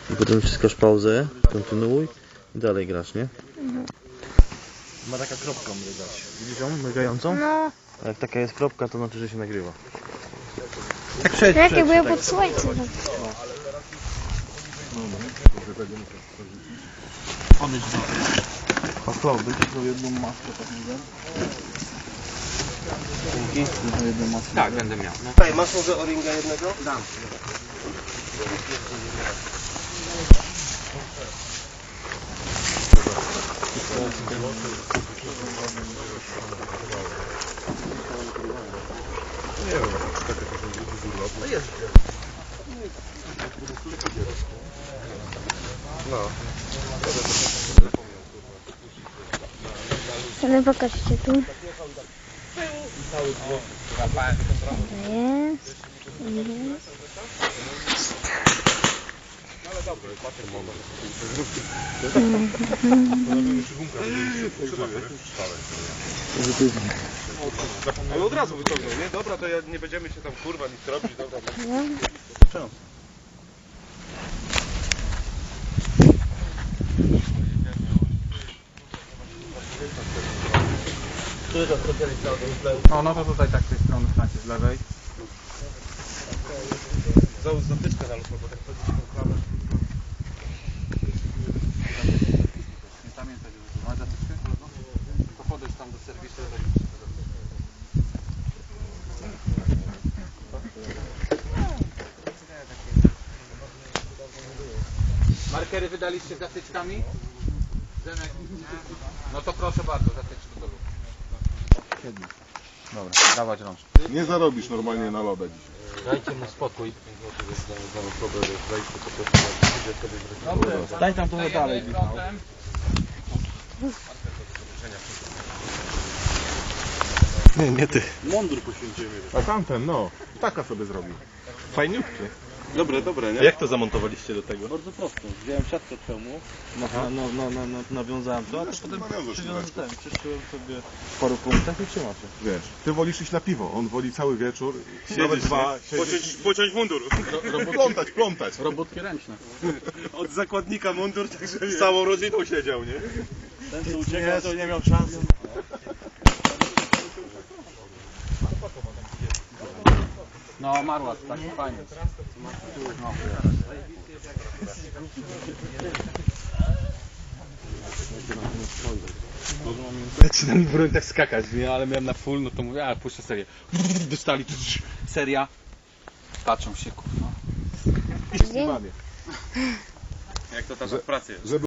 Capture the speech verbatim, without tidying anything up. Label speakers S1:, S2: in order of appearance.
S1: I potem wciskasz pauzę, kontynuuj i dalej grasz, nie?
S2: Mhm.
S1: Ma taka kropka mrygać. Widzisz ją mrygającą?
S2: No.
S1: A jak taka jest kropka, to znaczy, że się nagrywa.
S2: Tak przed, jak jakby ja pod słońcem.
S1: Podejdź do... A co, będziesz miał jedną maskę, tak mówię? Dzięki. Jedną maskę.
S3: Tak, będę miał. No.
S4: Tutaj, masz może o-ringa jednego?
S3: Dam.
S5: Nie wiem, taka to jest No.
S2: Ale pokażcie tu. Jest.
S5: Ale od razu wyciągnął, nie? Dobra, to ja nie będziemy się tam kurwa nic robić, dobra.
S1: Czemu?
S3: No, no to tutaj tak z tej strony znacie z lewej.
S5: Załóż zatyczkę na lufę, bo tak chodzi tą klamę.
S3: Nie pamiętaj, że masz zatyczkę? To podejdź tam do serwisu. Markery wydaliście z zatyczkami? Zenek? No to proszę bardzo, zatyczki do lub. Dobra, dawać rączkę.
S5: Nie zarobisz normalnie na lodę dzisiaj.
S1: Dajcie mu spokój.
S3: Daj tam trochę dalej.
S5: Nie, nie ty.
S3: Mundur poświęcimy.
S5: A tamten, no. Taka sobie zrobił. Fajniutkie.
S4: Dobre, dobre, nie?
S5: Jak to zamontowaliście do tego?
S4: Bardzo prosto. Wziąłem siatkę przełmu.
S1: No, no, no, no, no, nawiązałem to, a to potem
S5: nawiązasz
S1: przywiązałem
S5: resztę.
S1: ten, przeszyłem sobie w paru punktach i trzyma się.
S5: Wiesz, ty wolisz iść na piwo, on woli cały wieczór, nawet dwa,
S4: Pociąć, pociąć mundur.
S5: plątać, plątać.
S3: Robótki ręczne.
S4: Od zakładnika mundur, także
S5: Z całą rodziną siedział, nie?
S4: ten co uciekał, to nie miał szans.
S3: No, marła, tak, fajnie. No. Zaczyna mi broń tak skakać, nie? Ale miałem na full, no to mówię, a puszczę serię. Dostali, seria. Patrzą się, kurwa.
S5: I
S2: Gdzie?
S4: Jak to tam w pracy jest?
S5: Żeby